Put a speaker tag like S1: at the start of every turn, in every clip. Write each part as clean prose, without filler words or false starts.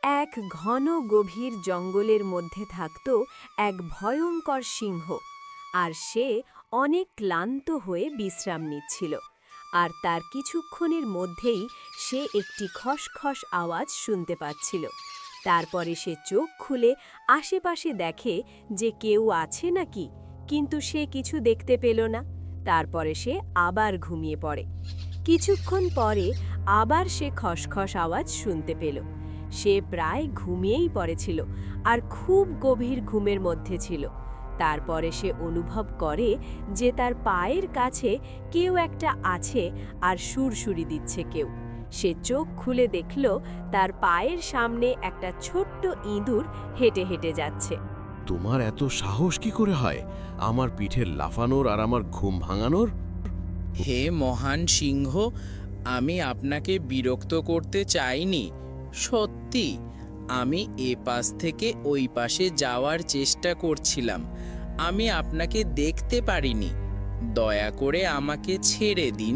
S1: এক ঘন গভীর জঙ্গলের মধ্যে থাকত এক ভয়ঙ্কর সিংহ, আর সে অনেক ক্লান্ত হয়ে বিশ্রাম নিচ্ছিল। আর তার কিছুক্ষণের মধ্যেই সে একটি খসখস আওয়াজ শুনতে পাচ্ছিল। তারপরে সে চোখ খুলে আশেপাশে দেখে যে কেউ আছে নাকি, কিন্তু সে কিছু দেখতে পেল না। তারপরে সে আবার ঘুমিয়ে পড়ে। কিছুক্ষণ পরে আবার সে খসখস আওয়াজ শুনতে পেল। সে প্রায় ঘুমিয়েই পড়েছিল আর খুব গভীর ঘুমের মধ্যে ছিল। তারপরে সে অনুভব করে যে তার পায়ের কাছে কেউ একটা আছে আর সুরসুরি দিচ্ছে কেউ। সে চোখ খুলে দেখল তার পায়ের সামনে একটা ছোট্ট ইঁদুর হেঁটে হেঁটে যাচ্ছে।
S2: তোমার এত সাহস কি করে হয় আমার পিঠে লাফানোর আর আমার ঘুম ভাঙানোর?
S3: হে মহান সিংহ, আমি আপনাকে বিরক্ত করতে চাইনি। সত্যি, আমি এ পাশ থেকে ওই পাশে যাওয়ার চেষ্টা করছিলাম। আমি আপনাকে দেখতে পারিনি। দয়া করে আমাকে ছেড়ে দিন।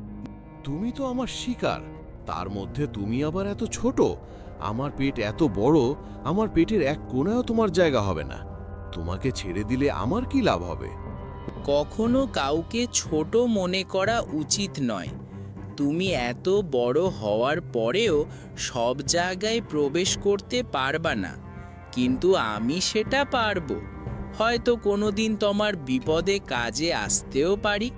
S2: তুমি তো আমার শিকার, তার মধ্যে তুমি আবার এত ছোট। আমার পেট এত বড়, আমার পেটের এক কোণায়ও তোমার জায়গা হবে না। তোমাকে ছেড়ে দিলে আমার কি লাভ হবে?
S3: কখনো কাউকে ছোট মনে করা উচিত নয়। তুমি এত বড় হওয়ার পরেও সব জায়গায় প্রবেশ করতে পারবা না, কিন্তু আমি সেটা পারবো। হয়তো কোনোদিন তোমার বিপদে কাজে আসতেও পারি।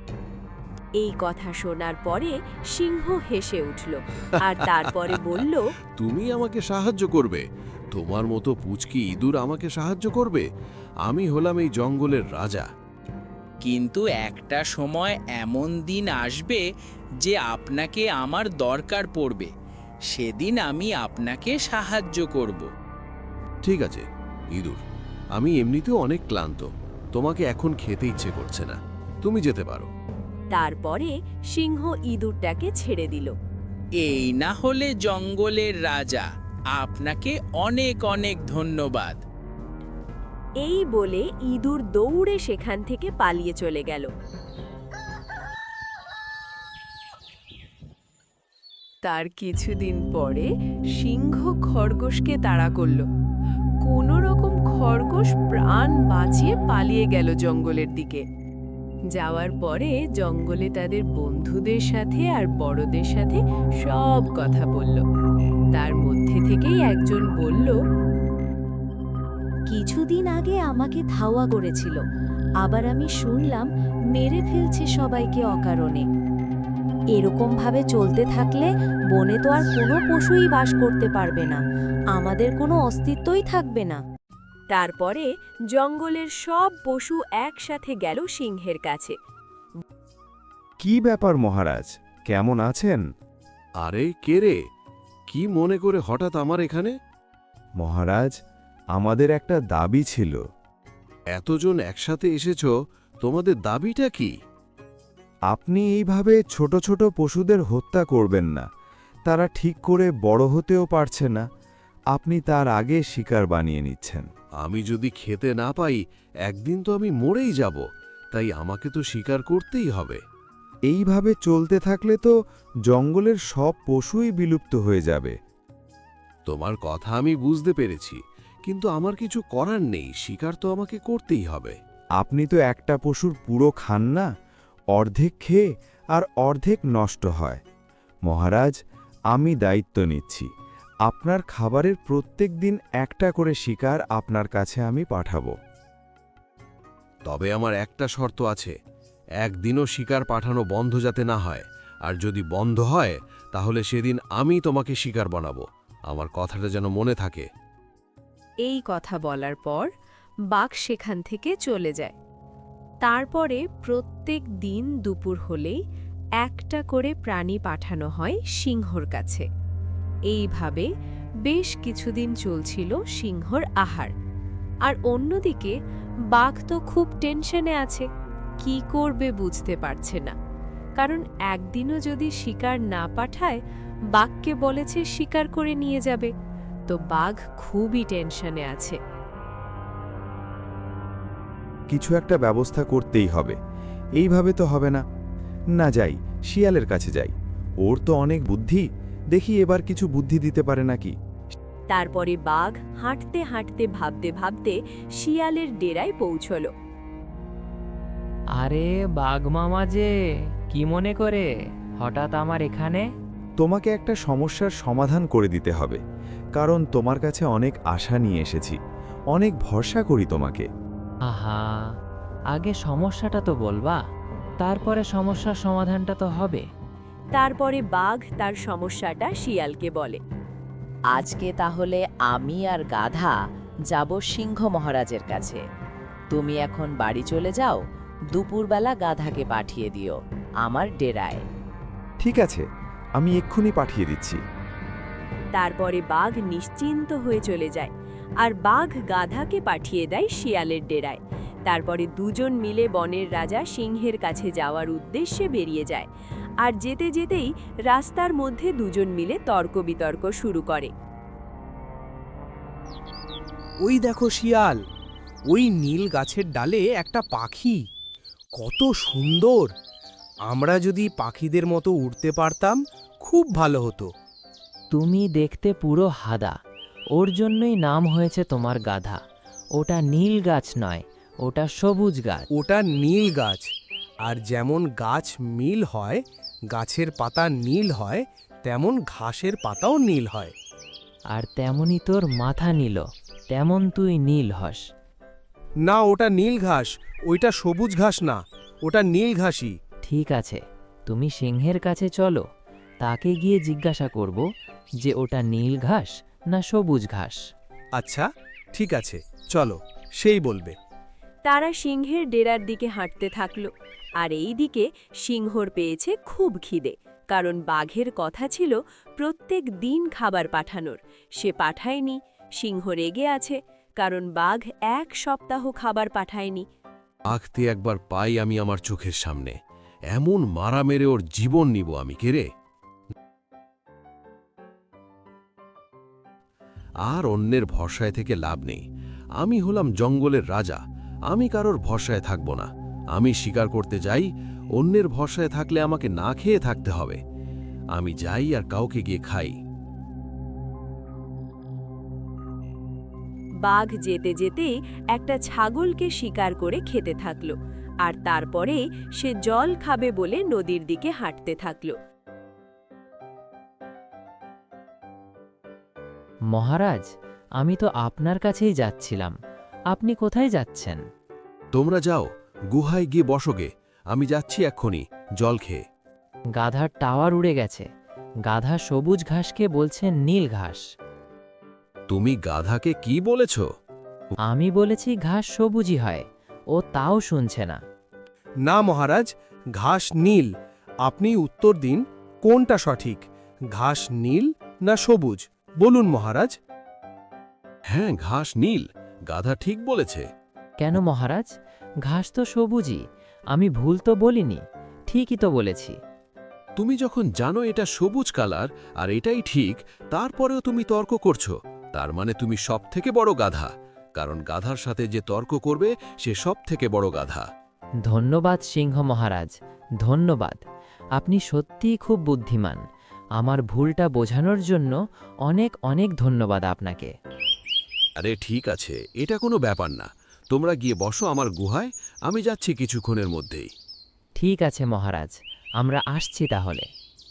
S1: এই কথা শোনার পরে সিংহ হেসে উঠল আর তারপরে বলল,
S2: তুমি আমাকে সাহায্য করবে? তোমার মতো পুচকি ইঁদুর আমাকে সাহায্য করবে? আমি হলাম এই জঙ্গলের রাজা।
S3: কিন্তু একটা সময় এমন দিন আসবে যে আপনাকে আমার দরকার পড়বে। সেদিন আমি আপনাকে সাহায্য করব।
S2: ঠিক আছে ইঁদুর, আমি এমনিতেও অনেক ক্লান্ত। তোমাকে এখন খেতে ইচ্ছে করছে না, তুমি যেতে পারো।
S1: তারপরে সিংহ ইঁদুরটাকে ছেড়ে দিল।
S3: এই না হলে জঙ্গলের রাজা। আপনাকে অনেক অনেক ধন্যবাদ।
S1: এই বলে ইঁদুর দৌড়ে সেখান থেকে পালিয়ে চলে গেল। তার কিছুদিন পরে সিংহ খরগোশকে তাড়া করল। কোনো রকম খরগোশ প্রাণ বাঁচিয়ে পালিয়ে গেল জঙ্গলের দিকে। যাওয়ার পরে জঙ্গলে তাদের বন্ধুদের সাথে আর বড়দের সাথে সব কথা বলল। তার মধ্যে থেকেই একজন বলল,
S4: কিছুদিন আগে আমাকে ধাওয়া করেছিল, আবার আমি শুনলাম মেরে ফেলছে সবাইকে অকারণে। এরকম ভাবে চলতে থাকলে বনে তো আর কোনো পশুই বাস করতে পারবে না, আমাদের কোনো অস্তিত্বই থাকবে না।
S1: তারপরে জঙ্গলের সব পশু একসাথে গেল সিংহের কাছে।
S5: কি ব্যাপার মহারাজ, কেমন আছেন?
S2: আরে কে রে? কি মনে করে হঠাৎ আমার এখানে?
S5: মহারাজ, আমাদের একটা দাবি ছিল।
S2: এতজন একসাথে এসেছ, তোমাদের দাবিটা কি?
S5: আপনি এইভাবে ছোট ছোট পশুদের হত্যা করবেন না। তারা ঠিক করে বড় হতেও পারছে না, আপনি তার আগে শিকার বানিয়ে নিচ্ছেন।
S2: আমি যদি খেতে না পাই, একদিন তো আমি মরেই যাব, তাই আমাকে তো শিকার করতেই হবে।
S5: এইভাবে চলতে থাকলে তো জঙ্গলের সব পশুই বিলুপ্ত হয়ে যাবে।
S2: তোমার কথা আমি বুঝতে পেরেছি, কিন্তু আমার কিছু করার নেই, শিকার তো আমাকে করতেই হবে।
S5: আপনি তো একটা পশুর পুরো খান না, অর্ধেক খেয়ে আর অর্ধেক নষ্ট হয়। মহারাজ, আমি দায়িত্ব নিচ্ছি, আপনার খাবারের প্রত্যেক দিন একটা করে শিকার আপনার কাছে আমি পাঠাবো।
S2: তবে আমার একটা শর্ত আছে, একদিনও শিকার পাঠানো বন্ধ যাতে না হয়, আর যদি বন্ধ হয় তাহলে সেদিন আমি তোমাকে শিকার বানাবো। আমার কথাটা যেন মনে থাকে।
S1: এই কথা বলার পর বাঘ সেখান থেকে চলে যায়। তারপরে প্রত্যেক দিন দুপুর হলেই একটা করে প্রাণী পাঠানো হয় সিংহর কাছে। এইভাবে বেশ কিছুদিন চলছিল সিংহর আহার। আর অন্যদিকে বাঘ তো খুব টেনশনে আছে, কি করবে বুঝতে পারছে না। কারণ একদিনও যদি শিকার না পাঠায়, বাঘকে বলেছে শিকার করে নিয়ে যাবে। তো বাঘ খুবই টেনশনে আছে।
S5: কিছু একটা ব্যবস্থা করতেই হবে, এইভাবে তো হবে না। না, যাই, শিয়ালের কাছে যাই, ওর তো অনেক বুদ্ধি, দেখি এবার কিছু বুদ্ধি দিতে পারে নাকি।
S1: তারপরে বাঘ হাঁটতে হাঁটতে ভাবতে ভাবতে শিয়ালের ডেরায় পৌঁছল।
S6: আরে বাঘ মামা যে, কি মনে করে হঠাৎ আমার এখানে?
S5: তোমাকে একটা সমস্যার সমাধান করে দিতে হবে, কারণ তোমার কাছে অনেক আশা নিয়ে এসেছি, অনেক ভরসা করি তোমাকে।
S6: আহা, আগে সমস্যাটা তো বলবা, তারপরে সমস্যার সমাধানটা তো হবে।
S1: তারপরে বাঘ তার সমস্যাটা শিয়ালকে বলে।
S7: আজকে তাহলে আমি আর গাধা যাব সিংহ মহারাজের কাছে। তুমি এখন বাড়ি চলে যাও, দুপুরবেলা গাধাকে পাঠিয়ে দিও আমার ডেরায়।
S5: ঠিক আছে, আমি এক্ষুনি পাঠিয়ে দিচ্ছি।
S1: তারপরে বাঘ নিশ্চিন্ত হয়ে চলে যায়, আর বাঘ গাধাকে পাঠিয়ে দেয় শিয়ালের ডেরায়। তারপরে দুজন মিলে বনের রাজা সিংহের কাছে যাওয়ার উদ্দেশ্যে বেরিয়ে যায়, আর যেতে যেতেই রাস্তার মধ্যে দুজন মিলে তর্ক বিতর্ক শুরু করে।
S8: ওই দেখো শিয়াল, ওই নীল গাছের ডালে একটা পাখি, কত সুন্দর! আমরা যদি পাখিদের মতো উড়তে পারতাম খুব ভালো হতো।
S6: তুমি দেখতে পুরো হাদা, ওর জন্যই নাম হয়েছে তোমার গাধা। ওটা নীল গাছ নয়, ওটা সবুজ গাছ।
S8: ওটা নীল গাছ, আর যেমন গাছ নীল হয়, গাছের পাতা নীল হয়, তেমন ঘাসের পাতাও নীল হয়।
S6: আর তেমনি তোর মাথা নীল, তেমন তুই নীল হস।
S8: না, ওটা নীল ঘাস, ওইটা সবুজ ঘাস না, ওটা নীল ঘাসই।
S6: ঠিক আছে, তুমি সিংহের কাছে চলো, তাকে গিয়ে জিজ্ঞাসা করব যে ওটা নীল ঘাস না সবুজ ঘাস।
S8: আচ্ছা, ঠিক আছে, চলো, সেই বলবে।
S1: তারা সিংহের ডেরার দিকে হাঁটতে থাকল, আর এই দিকে সিংহর পেয়েছে খুব খিদে, কারণ বাঘের কথা ছিল প্রত্যেক দিন খাবার পাঠানোর। সে পাঠায়নি। সিংহ রেগে আছে, কারণ বাঘ 1 সপ্তাহ খাবার পাঠায়নি।
S2: আঁকতে একবার পাই আমি আমার চোখের সামনে, এমন মারা মেরে ওর জীবন নিব আমি, কে রে? আর অন্যের ভরসায় থেকে লাভ নেই। আমি হলাম জঙ্গলের রাজা, আমি কারোর ভরসায় থাকব না। আমি শিকার করতে যাই, অন্যের ভরসায় থাকলে আমাকে না খেয়ে থাকতে হবে। আমি যাই আর কাউকে গিয়ে খাই।
S1: বাঘ যেতে যেতেই একটা ছাগলকে শিকার করে খেতে থাকল, আর তারপরে সে জল খাবে বলে নদীর দিকে হাঁটতে থাকল।
S6: মহারাজ, আমি তো আপনার কাছেই যাচ্ছিলাম, আপনি কোথায় যাচ্ছেন?
S2: তোমরা যাও, গুহায় গিয়ে বসোগে, আমি যাচ্ছি এক্ষুনি জল খেয়ে।
S6: গাধার টাওয়ার উড়ে গেছে, গাধা সবুজ ঘাসকে বলছে নীল ঘাস।
S2: তুমি গাধাকে কি বলেছ?
S6: আমি বলেছি ঘাস সবুজই হয়, ও তাও শুনছে না।
S8: না মহারাজ, ঘাস নীল। আপনি উত্তর দিন, কোনটা সঠিক, ঘাস নীল না সবুজ? বলুন মহারাজ।
S2: হ্যাঁ, ঘাস নীল, গাধা ঠিক বলেছে।
S6: কেন মহারাজ, ঘাস তো সবুজই, আমি ভুল তো বলিনি, ঠিকই তো বলেছি।
S2: তুমি যখন জানো এটা সবুজ কালার আর এটাই ঠিক, তারপরেও তুমি তর্ক করছো, তার মানে তুমি সবথেকে বড় গাধা, কারণ গাধার সাথে যে তর্ক করবে সে সবথেকে বড় গাধা।
S6: ধন্যবাদ সিংহ মহারাজ, ধন্যবাদ। আপনি সত্যিই খুব বুদ্ধিমান। আমার ভুলটা বোঝানোর জন্য অনেক অনেক ধন্যবাদ আপনাকে।
S2: আরে ঠিক আছে, এটা কোনো ব্যাপার না। তোমরা গিয়ে বসো আমার গুহায়, আমি যাচ্ছি কিছুক্ষণের মধ্যেই।
S6: ঠিক আছে মহারাজ, আমরা আসছি তাহলে।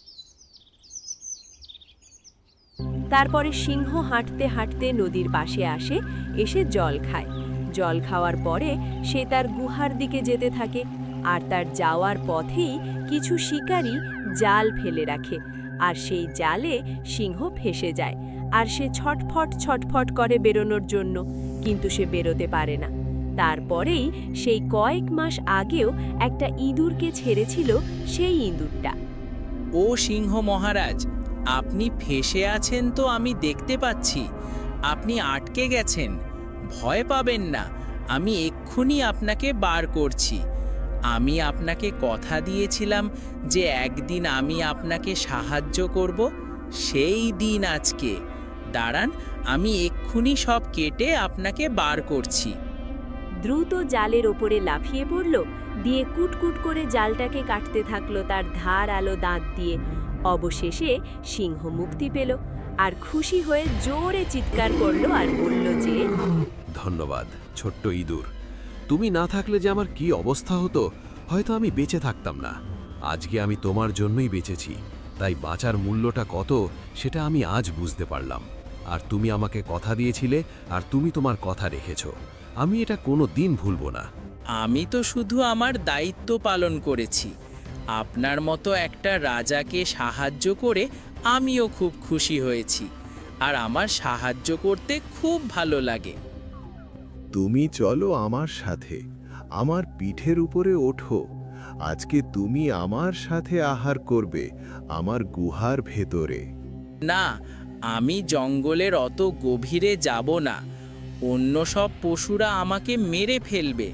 S1: তারপরে সিংহ হাঁটতে হাঁটতে নদীর পাশে আসে, এসে জল খায়। জল খাওয়ার পরে সে তার গুহার দিকে যেতে থাকে, আর তার যাওয়ার পথেই কিছু শিকারী জাল ফেলে রাখে, আর সেই জালে সিংহ ফেসে যায়। আর সে ছটফট ছটফট করে বেরোনোর জন্য, কিন্তু সে বেরোতে পারে না। তারপরেই সেই কয়েক মাস আগেও একটা ইঁদুরকে ছেড়েছিল, সেই ইঁদুরটা।
S3: ও সিংহ মহারাজ, আপনি ফেসে আছেন তো আমি দেখতে পাচ্ছি। আপনি আটকে গেছেন, ভয় পাবেন না, আমি এক্ষুনি আপনাকে বার করছি। আমি আপনাকে কথা দিয়েছিলাম যে একদিন আমি আপনাকে সাহায্য করব, সেই দিন আজকে। দাঁড়ান, আমি এক্ষুনি সব কেটে আপনাকে বার করছি।
S1: দ্রুত জালের ওপরে লাফিয়ে পড়ল, দিয়ে কুটকুট করে জালটাকে কাটতে থাকলো তার ধার আলো দাঁত দিয়ে। অবশেষে সিংহ মুক্তি পেল, আর খুশি হয়ে জোরে চিৎকার করলো আর বলল যে,
S2: ধন্যবাদ ছোট্ট ইঁদুর, তুমি না থাকলে যে আমার কি অবস্থা হতো, হয়তো আমি বেঁচে থাকতাম না। আজকে আমি তোমার জন্যই বেঁচেছি, তাই বাঁচার মূল্যটা কত সেটা আমি আজ বুঝতে পারলাম। আর তুমি আমাকে কথা দিয়েছিলে, আর তুমি তোমার কথা রেখেছো। আমি এটা কোনো দিন ভুলব না।
S3: আমি তো শুধু আমার দায়িত্ব পালন করেছি। আপনার মতো একটা রাজাকে সাহায্য করে আমিও খুব খুশি হয়েছি, আর আমার সাহায্য করতে খুব ভালো লাগে।
S9: তুমি চলো আমার সাথে, আমার পিঠের উপরে ওঠো। আজকে তুমি আমার সাথে আহার করবে আমার গুহার ভেতরে।
S3: না, আমি জঙ্গলের অত গভীরে যাব না। অন্য সব পশুরা আমাকে মেরে ফেলবে।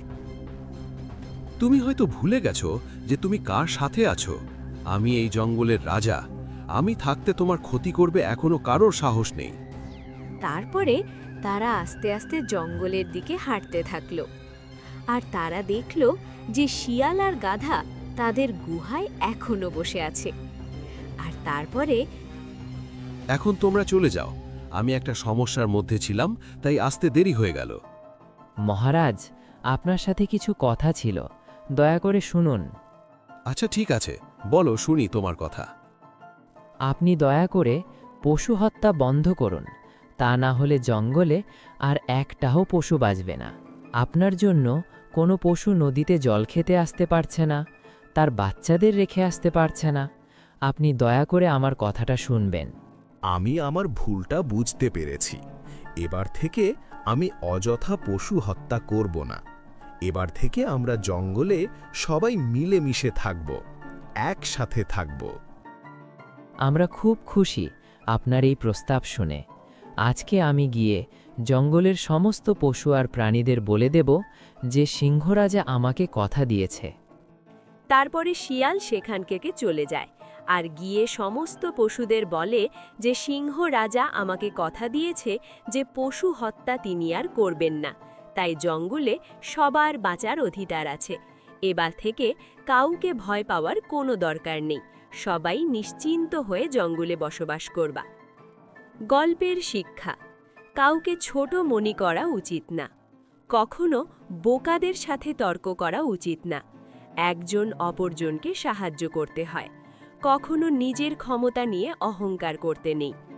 S2: তুমি হয়তো ভুলে গেছো যে তুমি কার সাথে আছো। আমি এই জঙ্গলের রাজা। আমি থাকতে তোমার ক্ষতি করবে এখনো কারোর সাহস নেই।
S1: তারপরে তারা আস্তে আস্তে জঙ্গলের দিকে হাঁটতে থাকলো। আর তারা দেখল যে শিয়াল আর গাধা তাদের গুহায় এখনো বসে আছে। আর তারপরে
S2: এখন তোমরা চলে যাও। আমি একটা সমস্যার মধ্যে ছিলাম, তাই আসতে দেরি হয়ে গেল।
S6: মহারাজ, আপনার সাথে কিছু কথা ছিল, দয়া করে শুনুন।
S2: আচ্ছা ঠিক আছে, বলো, শুনি তোমার কথা।
S6: আপনি দয়া করে পশু হত্যা বন্ধ করুন, তা না হলে জঙ্গলে আর একটাও পশু বাঁচবে না। আপনার জন্য কোনো পশু নদীতে জল খেতে আসতে পারছে না, তার বাচ্চাদের রেখে আসতে পারছে না। আপনি দয়া করে আমার কথাটা শুনবেন।
S9: আমি আমার ভুলটা বুঝতে পেরেছি। এবার থেকে আমি অযথা পশু হত্যা করব না। এবার থেকে আমরা জঙ্গলে সবাই মিলেমিশে থাকব, একসাথে থাকব।
S6: আমরা খুব খুশি আপনার এই প্রস্তাব শুনে। আজকে আমি গিয়ে জঙ্গলের সমস্ত পশু আর প্রাণীদের বলে দেব যে সিংহরাজা আমাকে কথা দিয়েছে।
S1: তারপরে শিয়াল সেখান থেকে চলে যায় আর গিয়ে সমস্ত পশুদের বলে যে সিংহ রাজা আমাকে কথা দিয়েছে যে পশু হত্যা তিনি আর করবেন না, তাই জঙ্গলে সবার বাঁচার অধিকার আছে। এবার থেকে কাউকে ভয় পাওয়ার কোনো দরকার নেই, সবাই নিশ্চিন্ত হয়ে জঙ্গলে বসবাস করবা। গল্পের শিক্ষা: কাউকে ছোট মনে করা উচিত না, কখনো বোকাদের সাথে তর্ক করা উচিত না, একজন অপরজনকে সাহায্য করতে হয়, কখনো নিজের ক্ষমতা নিয়ে অহংকার করতে নেই।